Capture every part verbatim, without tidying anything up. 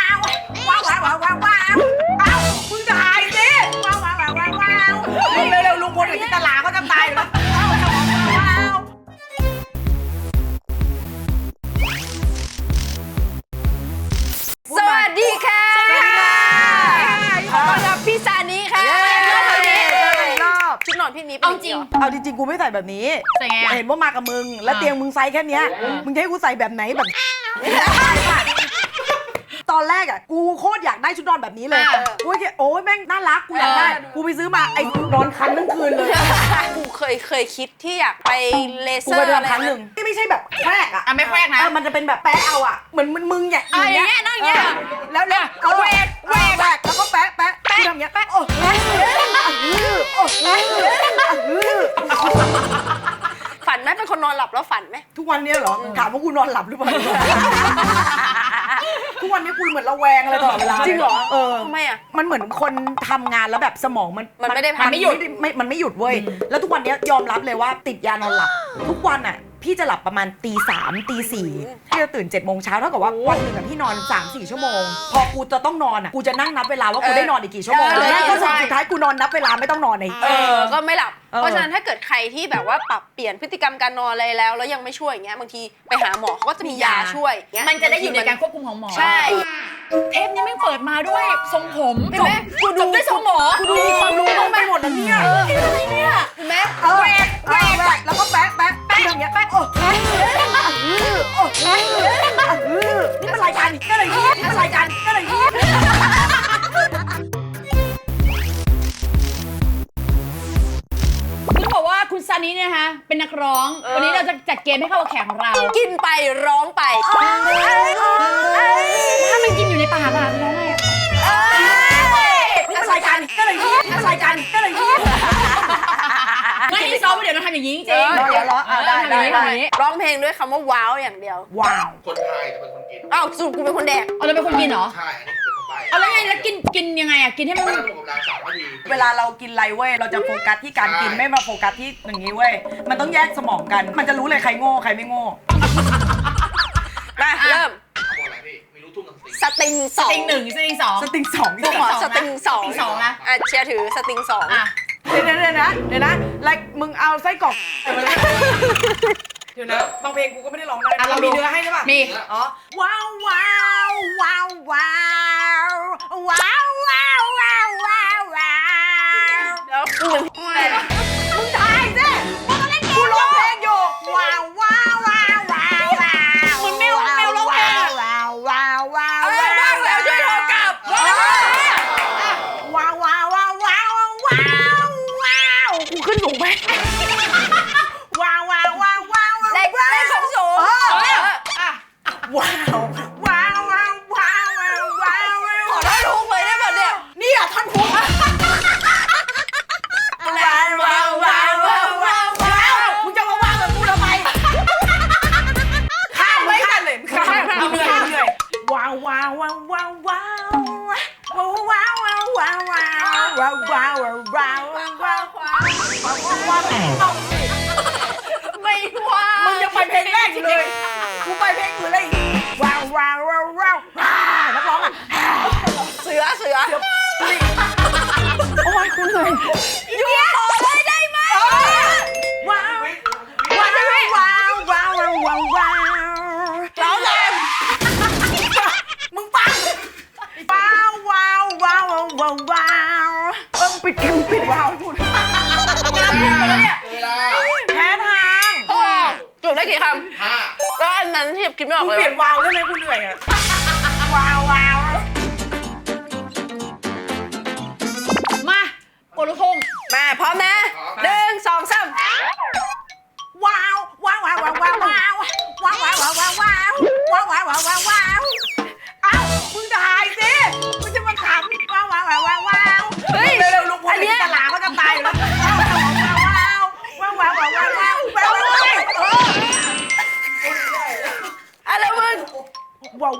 ว้าวว้าวว้าวว้าวว้าวเอ้ามึงถ่ายสิว้าวว้าวว้าวว้าวว้าวเร็วๆลุงพลกับจินตลาเขาจะตายอยู่แล้วว้าวว้าวว้าวสวัสดีค่ะสวัสดีค่ะขอต้อนรับพี่ซานิค่ะชุดนอนพี่นี้เอาจริงเอาจริงๆกูไม่ใส่แบบนี้ใส่ไงเห็นว่ามากับมึงแล้วเตียงมึงไซส์แค่เนี้ยมึงจะให้กูใส่แบบไหนแบบตอนแรกอ่ะกูโคตรอยากได้ชุดนอนแบบนี้เลยกูแค่โอ้ยแม่งน่ารักกูอยากได้กูไปซื้อมาไอ้นอนคันทั้งคืนเลยกูเคยเคยคิดที่อยากไปเลเซกูอไปร์อะไรทำครั้งหนึ่งที่ไม่ใช่แบบแควกอ่ะอ่ะไม่แควกนะเออมันจะเป็นแบบแปะเอาอ่ะเหมือนมึงมึงอย่างอ่ะอย่างเงี้ยนั่งอย่างเงี้ยแล้วแล้วเอาแหวกแหวกแหวกแล้วก็แปะแปะแปะทำอย่างเงี้ยแปะโอ้โอ้โอ้ฝันไหมเป็นคนนอนหลับแล้วฝันไหมทุกวันนี้เหรอถามว่ากูนอนหลับหรือเปล่าทุกวันนี้กูเหมือนระแวงอะไรตลอดเวลาจริงเหรอเออทำไมอ่ะมันเหมือนคนทำงานแล้วแบบสมองมันมันไม่ได้พักมันไม่หยุดไม่มันไม่หยุดเว้ยแล้วทุกวันนี้ยอมรับเลยว่าติดยานอนหลับทุกวันอ่ะพี่จะหลับประมาณตีสามตีสี่พี่จะตื่นเจ็ดโมงเช้าเท่ากับว่าวันหนึ่งอ่ะพี่นอนสามสี่ชั่วโมงพอกูจะต้องนอนอ่ะกูจะนั่งนับเวลาว่ากูได้นอนอีกกี่ชั่วโมงเลยแล้วก็สุดท้ายกูนอนนับเวลาไม่ต้องนอนในเออก็ไม่หลับเออเพราะฉะนั้นถ้าเกิดใครที่แบบว่าปรับเปลี่ยนพฤติกรรมการนอนอะไรแล้วแล้วยังไม่ช่วยอย่างเงี้ยบางทีไปหาหมอเขาก็จะมียาช่วยอย่างเงี้ยมันจะได้อยู่ในการควบคุมของหมอใช่เทปนี้ไม่เปิดมาด้วยทรงผมเห็นไหมกูดูจบด้วยทรงหมอกูดูมีความรู้ต้องไปหมดแล้วเนี่ยอะไรเนี่ยเห็นไหมแหวกแหวกแหวกแล้วก็แปะแปะแปะอย่างเงี้ยแปะโอ้โอ้นี่มันรายการก็เลยนี่มันรายการก็เลยนี่คุณบอกว่าคุณซานิเนี่ยนะคะเป็นนักร้อง วันนี้เราจะจัดเกมให้เข้ากับแขกของเรากินไปร้องไปถ้ามันกินอยู่ในปากอะร้องไงอะนี่มันรายการก็เลยนี่มันรายการก็เลยนี่ไม่ได้ซ้อมเดี๋ยวเราทำอย่างนี้จริงเออๆเดี๋ยวเหรออ่ะได้ได้ได้ร้องเพลงด้วยคำว่าว้าวอย่างเดียวว้าวคนไทยจะเป็นคนกินอ้าวสรุปกูเป็นคนแดกเอาเราเป็นคนกินเหรอใช่ อันนี้เป็นคนใบ้เอาแล้วไงแล้วกินกินยังไงอะกินให้มันไม่ต้องถูกกับเราสามนาทีเวลาเรากินอะไรเว้ยเราจะโฟกัสที่การกินไม่มาโฟกัสที่อย่างนี้เว้ยมันต้องแยกสมองกัน มันจะรู้เลยใครโง่ใครไม่โง่มาเริ่มเขาบอกอะไรพี่มีลูกทุ่งกับสตริงสติงสองสติงหนึ่งสติงสองสติงสองกูขอสติงสองสติงสองนะอ่ะเชียร์ถือสติงสองอ่ะเดี๋ยวเดี๋ยวนะเดี๋ยวนะแล้วมึงเอาไส้กรอกเดี๋ยวนะบางเพลงกูก็ไม่ได้ร้องได้อ่ะเรามีเนื้อให้ใช่ป่ะมีอ๋อว้าวว้าวว้าวว้าวว้าวว้าวว้าวว้าวว้าวแล้วกูเป็นมึงถ่ายสิกูร้องเพลงอยู่ว้าวว้าวว้าวว้าวว้าวเหมือนแมวแมวร้องเพลงอะว้าวว้าวว้าวเออบ้างแล้วช่วยโทรกลับว้าวว้าวว้าวว้าวว้าวว้าวกูขึ้นสูงไหมว้าวว้าวว้าวว้าวเล็กเล็กของสูงเออเอออ่ะว้าวว้าวว้าวว้าวว้าวว้าวขอท่อนทุกเลยได้ป่ะเนี่ยนี่อ่ะท่อนพุกว้าวว้าวว้าวว้าวว้าวว้าวมึงจะมาว้าวกับกูทำไมข้ามไม่กันเลยข้ามข้ามเหนื่อยเหนื่อยว้าวว้าวว้าวว้าวว้าวว้าวว้าวว้าวว้าวว้าวว้าวว้าวว้าวว้าวว้าวว้าวว้าวว้าวว้าวไม่ว่ามึงยังไปเพลงแรกอยู่เลยกูไปเพลงอื่นเลยว้าวว้าวว้าวว้าวนักร้องอ่ะเสือเสือโอ้ยคุณเลยอยู่ต่อเลยได้ไหมว้าวว้าวว้าวว้าวว้าวว้าวว้าวร้องเลยมึงปังว้าวว้าวว้าวว้าวว้าวเออปิดคิวปิดว้าวพูดเวลาเวลาแพ้ทางโอ้จบได้กี่คห้าำแล้วอันนั้นที่คิดไม่ออกมึงเลยเปลี่ยนว้าวได้ไหมกูเหนื่อยอ่ะว้าวว้าวมาโปรลูกทุ่งมาพร้อมนะหนึ่งสองสามว้าวว้าวว้าวว้าวว้าวว้าวว้าวว้าวว้าวว้าวว้าวว้าวว้าวว้าวว้าวเอ้ามึงถ่ายสิมึงจะมาขำว้าวว้าวว้าวว้าวว้าวเฮ้ยเร็วๆลุงพลกับจินตลาเขาจะตายอยู่แล้วว้าวว้าวว้าวว้าวว้าวว้าวว้าวว้าวว้าวว้าวอะไรมึงว้าว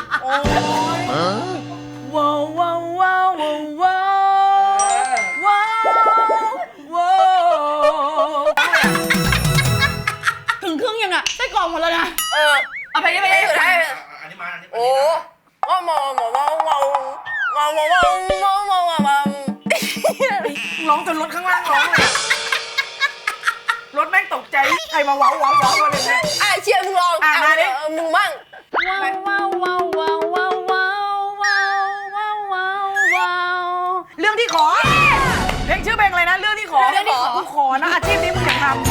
โอ้ยว้าวว้าวว้าวว้าวว้าวว้าวถึงครึ่งยังอ่ะไส้กรอกหมดแล้วนะเออเอาไปได้ไปไอ้ได้สุดท้ายอันนี้มาอันนี้โอ้ว้าวว้าวว้าวว้าวว้าวว้าวว้าวว้าวว้าวว้าวว้าวร้องจนรถข้างล่างร้องเลยรถแม่งตกใจใครมาว้าวว้าวว้าวอะไรเนี่ยอ่ะเชียร์มึงลองอ่ะมาดิเออมึงมั่งว้าวว้าวว้าวว้าวว้าวว้าวว้าวว้าวว้าวเรื่องที่ขอเพลงชื่อเพลงอะไรนะเรื่องที่ขอเรื่องที่ขอกูขอนะอาชีพนี้มึงอย่าทำ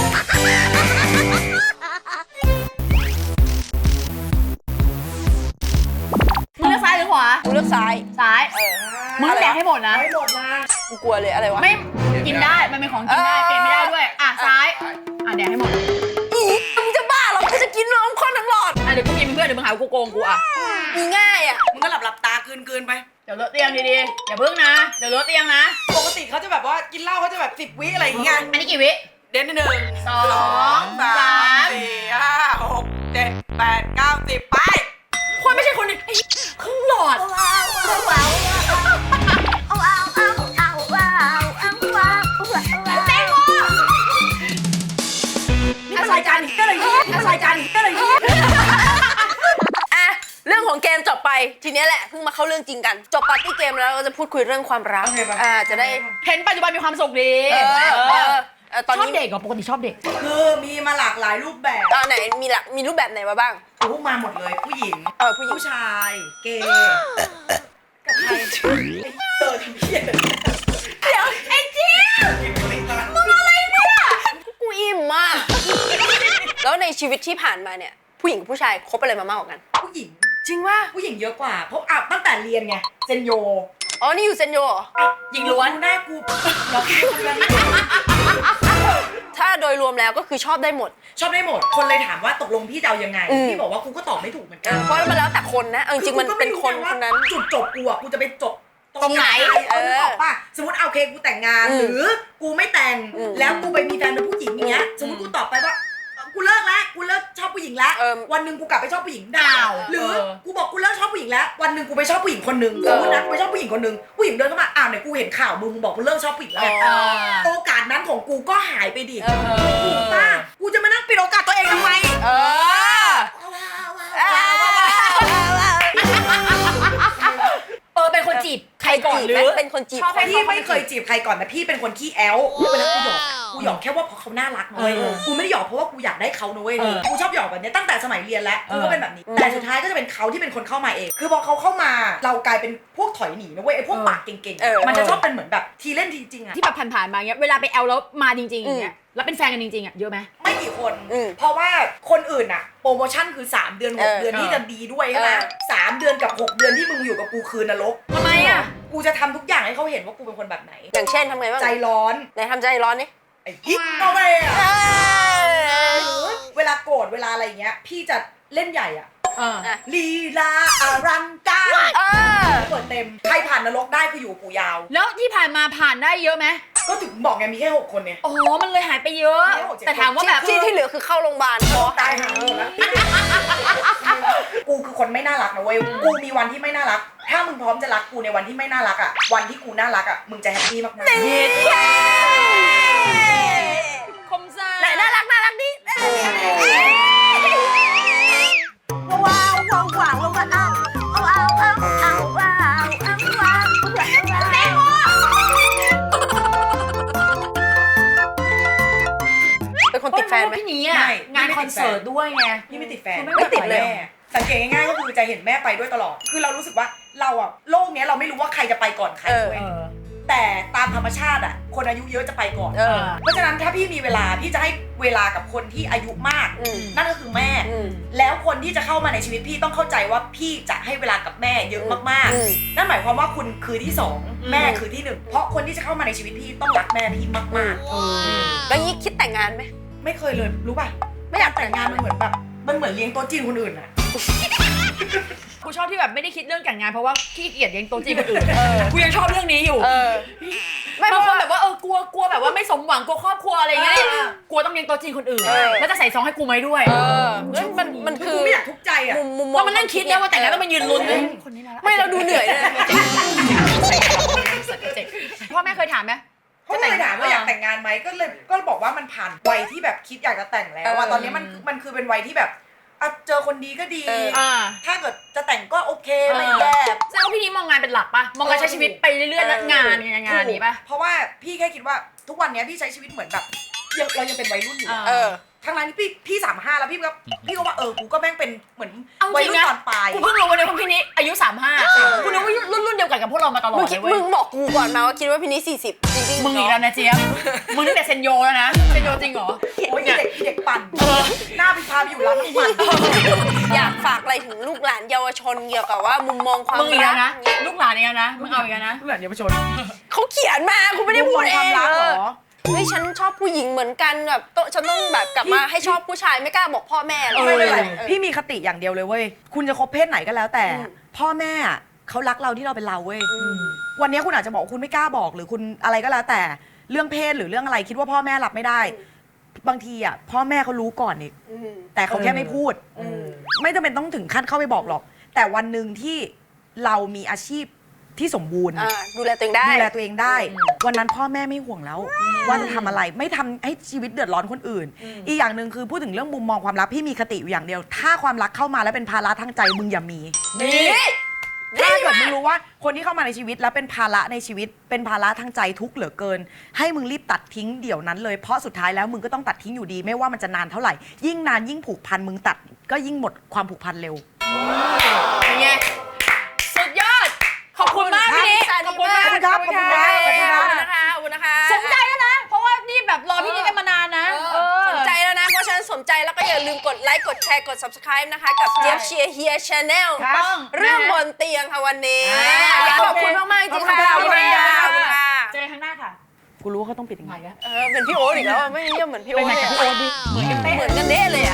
มึงเลือกซ้ายหรือขวากูเลือกซ้ายซ้ายเออมึงแดกให้หมดนะให้หมดนะกูกลัวเลยอะไรวะไม่กินได้ มันเป็นของกินได้ เปลี่ยนไม่ได้ด้วย อ่ะซ้าย อ่ะแดกให้หมดอีมึงจะบ้าเหรอกูจะกินน้ำข้นทั้งหลอดอ่ะเดี๋ยวกูกินเป็นเพื่อนเดี๋ยวมึงหาว่ากูโกงกูอ่ะมีง่ายอ่ะมึงก็หลับหลับตาคืนคืนไปเดี๋ยวเลอะเตียงดีๆ อย่าเพิ่งนะ เดี๋ยวเลอะเตียงนะปกติเขาจะแบบว่ากินเหล้าเขาจะแบบสิบวิอะไรอย่างเงี้ยอันนี้กี่วิเด่นหนึ่งสองสามสี่ห้าหกเจ็ดแปดเก้าสิบไปคนไม่ใช่คนนี้ไอ้ครึ่งหลอดแตงโมนี่มันรายการอีกก็เลยนี่มันรายการอีกก็เลยนี่อ่ะเรื่องของเกมจบไปทีเนี้ยแหละเพิ่งมาเข้าเรื่องจริงกันจบปาร์ตี้เกมแล้วเราก็จะพูดคุยเรื่องความรักอ่าจะได้เห็นปัจจุบันมีความสุขดีเออเออเออตอนชอบนี้เด็กเหรอปกติชอบเด็กคือมีมาหลากหลายรูปแบบตอนไหนมีละมีรูปแบบไหนมาบ้างโอ้มาหมดเลยผู้หญิงเออผู้หญิงผู้ชาย เกย์กับใครเออทำเพี้ยเดี๋ยวไอ้เจี๊ยบมึงอะไรเนี่ยกูอิ่มมากแล้วในชีวิตที่ผ่านมาเนี่ยผู้หญิงกับผู้ชายคบอะไรมามากกว่ากันผู้หญิงจริงว่าผู้หญิงเยอะกว่าเพราะอ่ะตั้งแต่เรียนไงเซนโยอ๋อนี่อยู่เซนโยเหรอหญิงล้วนหน้ากูเราคิดคนละถ้าโดยรวมแล้วก็คือชอบได้หมดชอบได้หมดคนเลยถามว่าตกลงพี่จะเอายังไงอืมพี่บอกว่ากูก็ตอบไม่ถูกเหมือนกันเพราะมันแล้วแต่คนนะเอาจริงๆมันเป็นคนคนนั้นจุดจบกูอะกูจะไปจบตรงไหนเออเออออกป่ะสมมติเอาโอเคกูแต่งงานอืมหรือกูไม่แต่งอืมแล้วกูไปมีแฟนเป็นผู้หญิงอย่างเงี้ยอืมสมมติกูตอบไปว่ากูเลิกแล้วกูเลิกชอบผู้หญิงแล้วเออวันหนึ่งกูกลับไปชอบผู้หญิงดาว หรือเออกูบอกกูเลิกชอบผู้หญิงแล้ววันหนึ่งกูไปชอบผู้หญิงคนหนึ่งสมมตินะกูไปชอบผู้หญิงคนหนึ่งผู้หญิงเดินเข้ามาอ้าวไหนกูเห็นข่าวมึงมึงบอกกูเลิกชอบผู้หญิงแล้วไงเออโอกาสนั้นของกูก็หายไปดิเออถูกป่ะกูจะมานั่งปิดโอกาสตัวเองทำไมเออเออเป็นคนจีบใครก่อนหรือเป็นคนจีบชอบให้พี่ไม่เคยจีบใครก่อนนะพี่เป็นคนขี้แอลเวลากูหยอกกูหยอกแค่ว่าเพราะเขาน่ารักนะเว้ยเออกูไม่ได้หยอกเพราะว่ากูอยากได้เขานะเว้ยเออกูชอบหยอกแบบเนี้ยตั้งแต่สมัยเรียนแล้วกูเอก็อเป็นแบบนี้แต่สุดท้ายก็จะเป็นเขาที่เป็นคนเข้ามาเองคือพอเขาเข้ามาเรากลายเป็นพวกถอยหนีนะเว้ยไอ้พวกปากเก่งเออๆมันจะชอบเป็นเหมือนแบบทีเล่นทีจริงอะที่แบบผ่านๆมาเงี้ยเวลาไปแอลแล้วมาจริงๆอย่างเงี้ยแล้วเป็นแฟนกันจริงๆอ่ะเยอะไหมไม่กี่คนอืมเพราะว่าคนอื่นอะโปรโมชั่นคือสามเดือนหกเออเดือนที่จะดีด้วยใช่ไหมเออสามเดือนกับหกเดือนที่มึงอยู่กับกูคืนนรกทำไมอ่ะกูจะทำทุกอย่างให้เขาเห็นว่ากูเป็นคนแบบไหนอย่างเช่นทำไงบ้างใจร้อนไหนทำใจร้อนนี่ไอ้ฮิปเอาไปอะเออหรือเวลาโกรธเวลาอะไรอย่างเงี้ยพี่จะเล่นใหญ่อะเอออ่ะลีลาอลังการเออเปิดเต็มใครผ่านนรกได้คืออยู่ปู่ยาวแล้วที่ผ่านมาผ่านได้เยอะไหมก็ถึงบอกไงมีแค่หกคนเนี่ยโอ้โหมันเลยหายไปเยอะ แต่ถามว่าแบบที่ที่เหลือคือเข้าโรงพยาบาลเพราะตายหาหมดแล้วกูคือคนไม่น่ารักนะเว้ยกูมีวันที่ไม่น่ารัก ถ้ามึงพร้อมจะรักกูในวันที่ไม่น่ารักอ่ะวันที่กูน่ารักอ่ะมึงจะแฮปปี้มากๆเย็ดแค่คมซ่าไหนน่ารักน่ารักดิว้าวว้าวว้าวว้าวว้าวว้าวว้าวว้าวว้าวว้าวว้าวเป็นคนติดแฟนไหมพี่นี้อ่ะงานคอนเสิร์ตด้วยไงพี่ไม่ติดแฟนคือไม่ติดเลยแม่สังเกตง่ายๆก็คือจะเห็นแม่ไปด้วยตลอด คือเรารู้สึกว่าเราอะโลกเนี้ยเราไม่รู้ว่าใครจะไปก่อนใครเออเว้ยแต่ตามธรรมชาติอะคนอายุเยอะจะไปก่อนเออเพราะฉะนั้นถ้าพี่มีเวลาพี่จะให้เวลากับคนที่อายุมากอืมนั่นก็คือแม่อืมแล้วคนที่จะเข้ามาในชีวิตพี่ต้องเข้าใจว่าพี่จะให้เวลากับแม่เยอะมากอืมๆ นั่นหมายความว่าคุณคือที่สองอืมแม่คือที่หนึ่งเพราะคนที่จะเข้ามาในชีวิตพี่ต้องรักแม่พี่มากแล้วยี่คิดแต่งงานไหมๆ ไม่เคยเลยรู้ป่ะไม่อยากแต่งงานมันเหมือนแบบมันเหมือนเลี้ยงโต๊ะจีนคนอื่นอะกูชอบที่แบบไม่ได้คิดเรื่องแต่งงานเพราะว่าขี้เกียจเลี้ยงโต๊ะจีนคนอื่นกูยังชอบเรื่องนี้อยู่เออ ไม่บางเพคนราะแบบว่าเออกลัวกลัวแบบว่าไม่สมหวังกลัวครอบครัวอะไรเงี้ยเออกลัวต้องเลี้ยงโต๊ะจีนคนอื่นเออแล้วจะใส่ซองให้กูไหมด้วยเออมันมันมันคืคือ อไม่อยากทุกข์ใจอะมุมมุมมก็องมานั่งคิดนะว่าแต่งงานต้องมายืนลุ้นเออคนนี้นะไม่เราดูเหนื่อยเลยพ่อแม่เคยถามไหมเขาเลยถามว่าอยากแต่งงานไหมก็เลยก็บอกว่ามันผ่านวัยที่แบบคิดอยากจะแต่งแล้วอะตอนนี้มันมันคือเป็นวัยที่แบบอ่ะเจอคนดีก็ดีเอออ่าถ้าเกิดจะแต่งก็โอเคไม่แย่แสดงว่าพี่นี้มองงานเป็นหลักปะมองการใช้ชีวิตไปเรื่อยๆแล้วงานงานงานนี้ปะเพราะว่าพี่แค่คิดว่าทุกวันนี้พี่ใช้ชีวิตเหมือนแบบยังเรายังเป็นวัยรุ่นอยู่อะเออทางร้านนี่พี่พี่สามห้าแล้วพี่ก็พี่ก็ว่าเออกูก็แม่งเป็นเหมือนเอาจวัยริงรุ่นนะตอนปลายกูเพิ่งรู้วันนี้ว่าพี่นี้อายุสามห้าเออกูนึกว่ารุ่นรุ่นเดียวกันกับพวกเรามาตลอมึดงเลคิดยเว้ยมึงบอกกูก่อนมาว่าคิดว่าพี่นี้สี่สิบจริงๆมึงอีกแล้วนะเจี๊ยบมึงตั้งแต่เซนโยแล้วนะเซนโยจริงเหรอโอ้ยเด็กเด็กปั่นหน้าพี่พาไปอยู่ร้านน้ำมันอยากฝากอะไรถึงลูกหลานเยาวชนเกี่ยวกับว่ามุมมองความมึงอีกรัแล้วกนะ ลูกหลานอีกแล้วนะ มึงเอาอีกแล้วนะเหมือนเยาวชนเขาเขียนมากูไม่ได้พูดเอความงรักเหรอเฮ้ยฉันชอบผู้หญิงเหมือนกันแบบโตฉันต้องแบบกลับมาให้ชอบผู้ชายไม่กล้าบอกพ่อแม่หรอกไม่เป็นไรเออพี่มีคติอย่างเดียวเลยเว้ยคุณจะคบเพศไหนก็แล้วแต่อืมพ่อแม่เขารักเราที่เราเป็นเราเว้ยวันนี้คุณอาจจะบอกคุณไม่กล้าบอกหรือคุณอะไรก็แล้วแต่เรื่องเพศหรือเรื่องอะไรคิดว่าพ่อแม่รับไม่ได้ บางทีอ่ะพ่อแม่เขารู้ก่อนอีกอืมแต่เขาแค่ไม่พูดอืมไม่จำเป็นต้องถึงขั้นเข้าไปบอกหรอก แต่วันหนึ่งที่เรามีอาชีพที่สมบูรณ์อ่าดูแลตัวเองได้ดูแลตัวเองได้ วันนั้นพ่อแม่ไม่ห่วงแล้ว ว่าจะทำอะไรไม่ทำให้ชีวิตเดือดร้อนคนอื่น อีกอย่างหนึ่งคือพูดถึงเรื่องมุมมองความรักพี่มีคติอยู่อย่างเดียว ถ้าความรักเข้ามาแล้วเป็นภาระทางใจมึงอย่ามีนี่ถ้าเกิดมึงรู้ว่าคนที่เข้ามาในชีวิตแล้วเป็นภาระในชีวิต เป็นภาระทางใจทุกข์เหลือเกิน ให้มึงรีบตัดทิ้งเดี๋ยวนั้นเลยเพราะสุดท้ายแล้วมึงก็ต้องตัดทิ้งอยู่ดี ไม่ว่ามันจะนานเท่าไหร่ยิ่งนานยิ่งผูกพันมึงตัดก็ยิ่งหมดความผูกพันเร็วเป็นไง สุดยอด ขอบคุณมากพี่นี้ขอบคุณมากขอบคุณครับขอบคุณครับขอบคุณนะคะขอบคุณนะคะสนใจแล้วนะ เพราะว่านี่แบบรอพี่นี้กันมานานนะเออสนใจแล้วนะ เพราะฉะนั้นสนใจแล้วก็อย่าลืมกดไลค์กดแชร์กด subscribe นะคะกับเจี๊ยบเชียร์เฮียชาแนลครับเรื่องบนเตียงค่ะวันนี้อ่าอยากขอบคุณมากๆจริงๆค่ะขอบคุณค่ะขอบคุณค่ะเจอกันข้างหน้าค่ะกูรู้ว่าเขาต้องปิดยังไงเออเป็นพี่โอ๊ตอีกแล้วอะไม่เรียกเหมือนพี่เป็โอ๊นตไงเลยกับอะพี่โอ๊ตดิเหมือนกันเป๊ะเหมือนกันเด้เลยอ่ะ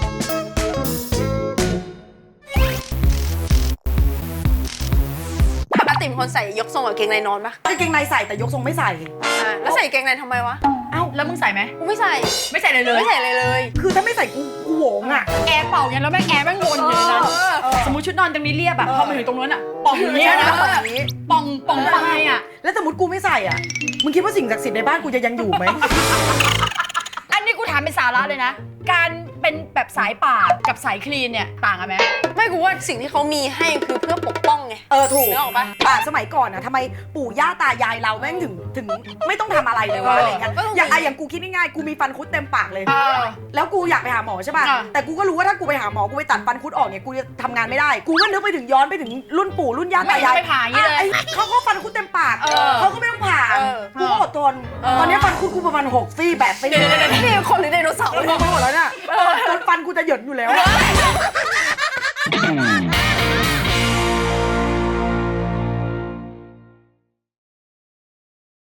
ปกติเป็นคนใส่ยกทรงกับเกงในนอนปะกางเกงในใส่แต่ยกทรงไม่ใส่อ่าแล้วใส่เกงในทำไมวะเอ้าแล้วมึงใส่ไหมกูไม่ใส่ไม่ใส่เลยเลยไม่ใส่เลยเลยคือถ้าไม่ใส่กูกูโหงอ่ะแอร์เป่าไงแล้วแม่งแอร์แม่งวนอยู่ในนั้นเออสมมติชุดนอนตรงนี้เรียบอะพอมาถึงตรงนั้นอะป่องอย่างเงี้ยใช่นะไหมแบบนี้ป่องป่องไปอะแล้วสมมติกูไม่ใส่อ่ะ มึงคิดว่าสิ่งศักดิ์สิทธิ์ในบ้านกูจะยังอยู่ไหมอันนี้กูถามเป็นสาระเลยนะ การเป็นแบบสายป่ากับสายคลีนเนี่ยต่างกันไหมไม่กูว่าสิ่งที่เขามีให้คือเพื่อปกป้องไงเออถูกนึกออกปะอ่ะสมัยก่อนนะทำไมปู่ย่าตายายเราแม่งถึงถึงไม่ต้องทำอะไรเลยวะอะไรอย่างเงี้ยก็ต้องมีอย่างไอะอย่างกูคิดง่ายๆกูมีฟันคุดเต็มปากเลยเออแล้วกูอยากไปหาหมอใช่ป่ะอ่ะแต่กูก็รู้ว่าถ้ากูไปหาหมอ กูไปตัดฟันคุดออกเนี่ย กูจะทำงานไม่ได้ กูก็นึกไปถึงย้อนไปถึงรุ่นปู่รุ่นย่าไม่ตายายไม่ผ่าอย่างนี้เลยอ่ะไอ้เขาก็ฟันคุดเต็มปากเออเขาก็ไม่ต้องผ่าเออกูก็อดทน ตอนนี้ฟันคุดกูประมาณหกซี่แบบไปเดี๋ยวเดี๋ยวเดี๋ยวนี่คนหรือไดโนเสาร์รวมไปหมดแล้วเนี่ยจนฟันกูจะเหยินอยู่แล้ว